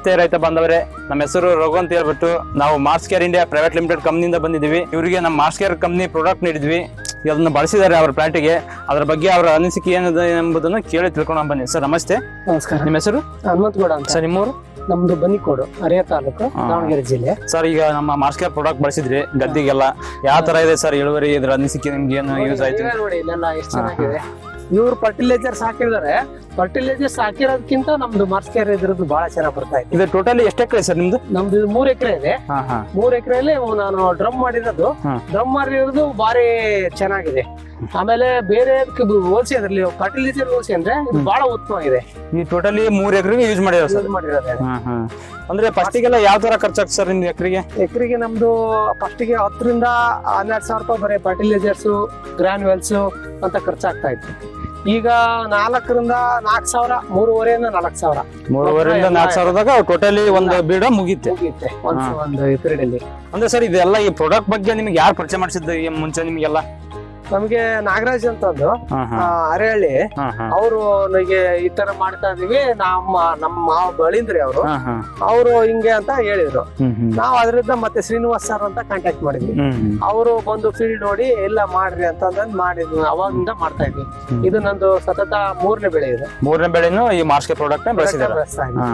ನಮಸ್ತೆ ರೈತ ಬಾಂಧವರೇ, ನಮ್ಮ ಹೆಸರು ರಘು ಅಂತ ಹೇಳ್ಬಿಟ್ಟು ನಾವು Mars Care India private limited ಕಂಪ್ನಿಯಿಂದ ಬಂದಿದ್ದೀವಿ. ಇವರಿಗೆ ನಮ್ಮ ಮಾರ್ಸ್ ಕೇರ್ ಕಂಪ್ನಿ ಪ್ರಾಡಕ್ಟ್ ನೀಡಿದ್ವಿ. ಅದನ್ನು ಬಳಸಿದ್ದಾರೆ ಅವರ ಪ್ಲಾಂಟಿಗೆ. ಅದರ ಬಗ್ಗೆ ಅವರ ಅನಿಸಿಕೆ ಏನಿದೆ ಎಂಬುದನ್ನು ಕೇಳಿ ತಿಳ್ಕೊಂಡು ಬನ್ನಿ. ಸರ್ ನಮಸ್ತೆ. ನಮಸ್ಕಾರ. ನಿಮ್ಮ ಹೆಸರು? ಹನುಮಂತಗೌಡ ಅಂತ. ಸರ್ ನಿಮ್ಮೂರು? ನಮ್ದು ಬನ್ನಿಕೋಡು, ಹರಿಯ ತಾಲೂಕು, ದಾವಣಗೆರೆ ಜಿಲ್ಲೆ. ಸರ್ ಈಗ ನಮ್ಮ ಮಾರ್ಸ್ ಕೇರ್ ಪ್ರಾಡಕ್ಟ್ ಬಳಸಿದ್ರಿ ಗದ್ದಿಗೆಲ್ಲ, ಯಾವ ತರ ಇದೆ ಸರ್ ಇಳುವರಿ? ಇದ್ರ ಅನಿಸಿಕೆ ನಿಮ್ಗೆ ಏನು ಯೂಸ್ ಆಯ್ತು? ನೋಡಿ ಇಲ್ಲೆಲ್ಲ ಎಷ್ಟು ಚೆನ್ನಾಗಿದೆ. ಇವ್ರು ಫರ್ಟಿಲೈಸರ್ಸ್ ಹಾಕಿದ್ದಾರೆ. ಫರ್ಟಿಲೈಸರ್ಸ್ ಹಾಕಿರೋದಕ್ಕಿಂತ ನಮ್ದು ಮಾರ್ಸ್ ಕೇರ್ ಇದ್ರದ್ದು ಬಹಳ ಚೆನ್ನಾಗಿ ಬರ್ತಾ ಇದೆ. ಇದು ಟೋಟಲಿ ಎಷ್ಟು ಎಕರೆ ಸರ್ ನಿಮ್ದು? ನಮ್ದು 3 ಎಕರೆ ಇದೆ. 3 ಎಕರೆಯಲ್ಲಿ ನಾನು ಡ್ರಮ್ ಮಾಡಿರೋದು. ಡ್ರಮ್ ಮಾಡಿರೋದು ಬಾರಿ ಚೆನ್ನಾಗಿದೆ. ಆಮೇಲೆ ಬೇರೆ ಹೋಲ್ಸಿ ಅದ್ರಲ್ಲಿ ಫರ್ಟಿಲೈಸರ್ ಹೋಲ್ಸಿ ಅಂದ್ರೆ ಇದು ಬಹಳ ಉತ್ತಮವಾಗಿದೆ. ಈ ಟೋಟಲಿ 3 ಎಕರೆಗೆ ಯೂಸ್ ಮಾಡಿರೋದು ಸರ್? ಮಾಡಿರೋದು. ಅಂದ್ರೆ ಫಸ್ಟಿಗೆಲ್ಲ ಯಾವ ತರ ಖರ್ಚಾಗ್ತದೆ ಸರ್ ನಿಮ್ದು ಎಕರೆಗೆ? ಎಕರೆಗೆ ನಮ್ದು ಫಸ್ಟಿಗೆ 10 ರಿಂದ 12 ಸಾವಿರ ರೂಪಾಯಿ ಬರೀ ಫರ್ಟಿಲೈಸರ್ಸ್, ಗ್ರಾನ್ಯುವಲ್ಸ್ ಅಂತ ಖರ್ಚಾಗ್ತಾ ಇತ್ತು. ಈಗ 4 ರಿಂದ 4 ಸಾವಿರ, 3.5 ರಿಂದ 4 ಸಾವಿರ, 3.5 ರಿಂದ 4 ಸಾವಿರದಾಗ ಟೋಟಲಿ ಒಂದು ಬೀಡ ಮುಗೀತೆ ಒಂದು ಎಕರೆಯಲ್ಲಿ. ಅಂದ್ರೆ ಸರ್ ಇದೆಲ್ಲ ಈ ಪ್ರಾಡಕ್ಟ್ ಬಗ್ಗೆ ನಿಮ್ಗೆ ಯಾರು ಪರಿಚಯ ಮಾಡಿಸಿದ್ದು ಮುಂಚೆ ನಿಮ್ಗೆಲ್ಲ? ನಮ್ಗೆ ನಾಗರಾಜ್ ಅಂತಂದು ಅರೆಹಳ್ಳಿ, ಅವರು ನನಗೆ ಈ ತರ ಮಾಡ್ತಾ ಇದೀವಿ, ನಮ್ಮ ಮಾವ ಬಳಿಂದ್ರಿ ಅವರು ಹಿಂಗೆ ಅಂತ ಹೇಳಿದ್ರು. ನಾವ್ ಅದರಿಂದ ಮತ್ತೆ ಶ್ರೀನಿವಾಸ್ ಸರ್ ಅಂತ ಕಾಂಟ್ಯಾಕ್ಟ್ ಮಾಡಿದ್ವಿ. ಅವರು ಬಂದು ಫೀಲ್ಡ್ ನೋಡಿ ಎಲ್ಲ ಮಾಡ್ರಿ ಅಂತ ಮಾಡಿದ್ವಿ. ಅವಾಗಿಂದ ಮಾಡ್ತಾ ಇದ್ವಿ. ಇದು ನಂದು ಸತತ 3ನೇ ಬೆಳೆ ಇದೆ. 3ನೇ ಬೆಳೆನು ಈ ಮಾರ್ಸ್ ಕೇರ್ ಪ್ರಾಡಕ್ಟ್ ಬಳಸಿದ್ದಾರೆ.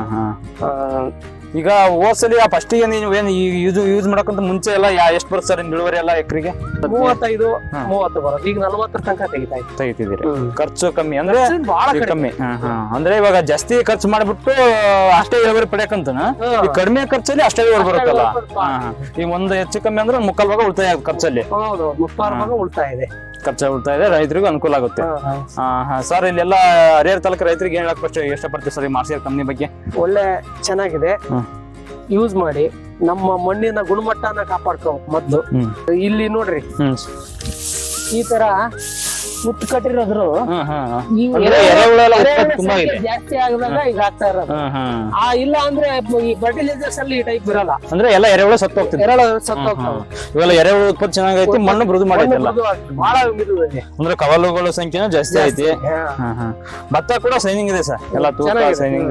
ಈಗ ಹೋದ್ಸಲಿ ಫಸ್ಟ್ ನೀವು ಏನು ಯೂಸ್ ಮಾಡಕ್ಕಂತ ಮುಂಚೆ ಎಲ್ಲ ಎಷ್ಟು ಬರುತ್ತೆ ಸರ್ ಇಳುವರಿ ಎಲ್ಲ ಎಕರೆಗೆ? 35-30 ಬರೋದು. ಈಗ 40 ತನಕ ತೆಗಿತಿದ್ದೀರಿ. ಖರ್ಚು ಕಮ್ಮಿ ಅಂದ್ರೆ ಬಹಳ ಕಮ್ಮಿ. ಅಂದ್ರೆ ಇವಾಗ ಜಾಸ್ತಿ ಖರ್ಚು ಮಾಡ್ಬಿಟ್ಟು ಅಷ್ಟೇ ಇಳುವರಿ ಪಡೆಯಕಂತ ಈ ಕಡಿಮೆ ಖರ್ಚಲ್ಲಿ ಅಷ್ಟೇ ಇಳುವರಿ ಬರುತ್ತಲ್ಲ. ಈಗ ಒಂದು ಹೆಚ್ಚು ಕಮ್ಮಿ ಅಂದ್ರೆ 3/4 ಭಾಗ ಉಳಿತಾಯ ಖರ್ಚಲ್ಲಿ. ಹೌದು, 3/4 ಭಾಗ ಉಳಿತಾಯ ಇದೆ. ಖರ್ಚು ಉಳಿತಾಯ ಇದೆ, ರೈತರಿಗೂ ಅನುಕೂಲ ಆಗುತ್ತೆ. ಸರ್ ಇಲ್ಲೆಲ್ಲ ಹರಿಹರ ತಾಲೂಕು ರೈತರಿಗೆ ಏನ್ ಹೇಳಕ್ ಇಷ್ಟಪಡ್ತೀವಿ ಸರ್ ಈ ಮಾರ್ಸ್ ಕೇರ್ ಕಂಪ್ನಿ ಬಗ್ಗೆ? ಒಳ್ಳೆ ಚೆನ್ನಾಗಿದೆ, ಯೂಸ್ ಮಾಡಿ. ನಮ್ಮ ಮಣ್ಣಿನ ಗುಣಮಟ್ಟನ ಕಾಪಾಡ್ಕೋ ಮೊದ್ಲು. ಇಲ್ಲಿ ನೋಡ್ರಿ ಈ ತರ ಮುತ್ತು ಕಟ್ಟಿರೋದ್ರು ಜಾಸ್ತಿ ಆಗದಾಗ ಈಗ ಆಗ್ತಾ ಇರೋದು. ಇಲ್ಲ ಅಂದ್ರೆ ಈ ಫರ್ಟಿಲೈಸರ್ಸ್ ಅಲ್ಲಿ ಈ ಟೈಪ್ ಬರಲ್ಲ. ಅಂದ್ರೆ ಎಲ್ಲ ಎರೆಹುಳ ಸತ್ತು ಹೋಗ್ತದೆ. ಇವೆಲ್ಲ ಎರೆಹುಳ ಉತ್ಪತ್ತಿ ಚೆನ್ನಾಗೈತಿ, ಮಣ್ಣು ಮೃದು ಮಾಡೈತಲ್ಲ, ಬಹಳ ಮಿದು ಇದೆ. ಅಂದ್ರೆ ಕವಲುಗಳ ಸಂಖ್ಯೆನೂ ಜಾಸ್ತಿ ಐತಿ. ಭತ್ತ ಕೂಡ ಸೈನಿಂಗ್ ಇದೆ ಸರ್, ಎಲ್ಲ ತೂಕ ಸೈನಿಂಗ್.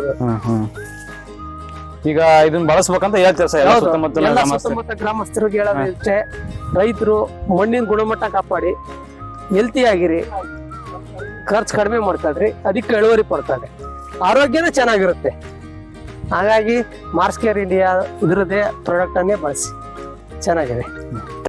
ಈಗ ಇದನ್ನ ಬಳಸ್ಬೇಕಂತ ಹೇಳ್ತಾರೆ ಸರ್ ಎಲ್ಲ ಸುತ್ತಮುತ್ತ ಗ್ರಾಮಸ್ಥರಿಗೆ ಹೇಳೋದು ಇಷ್ಟೇ, ರೈತರು ಮಣ್ಣಿನ ಗುಣಮಟ್ಟ ಕಾಪಾಡಿ, ಹೆಲ್ತಿ ಆಗಿರಿ, ಖರ್ಚು ಕಡಿಮೆ ಮಾಡ್ತಾಳ್ರಿ, ಅದಕ್ಕೆ ಇಳುವರಿ ಪಡ್ತಾರೆ, ಆರೋಗ್ಯನೂ ಚೆನ್ನಾಗಿರುತ್ತೆ. ಹಾಗಾಗಿ ಮಾರ್ಸ್ ಕೇರ್ ಇಂಡಿಯಾ ಇದರದೇ ಪ್ರಾಡಕ್ಟ್ ಅನ್ನೇ ಬಳಸಿ, ಚೆನ್ನಾಗಿದೆ.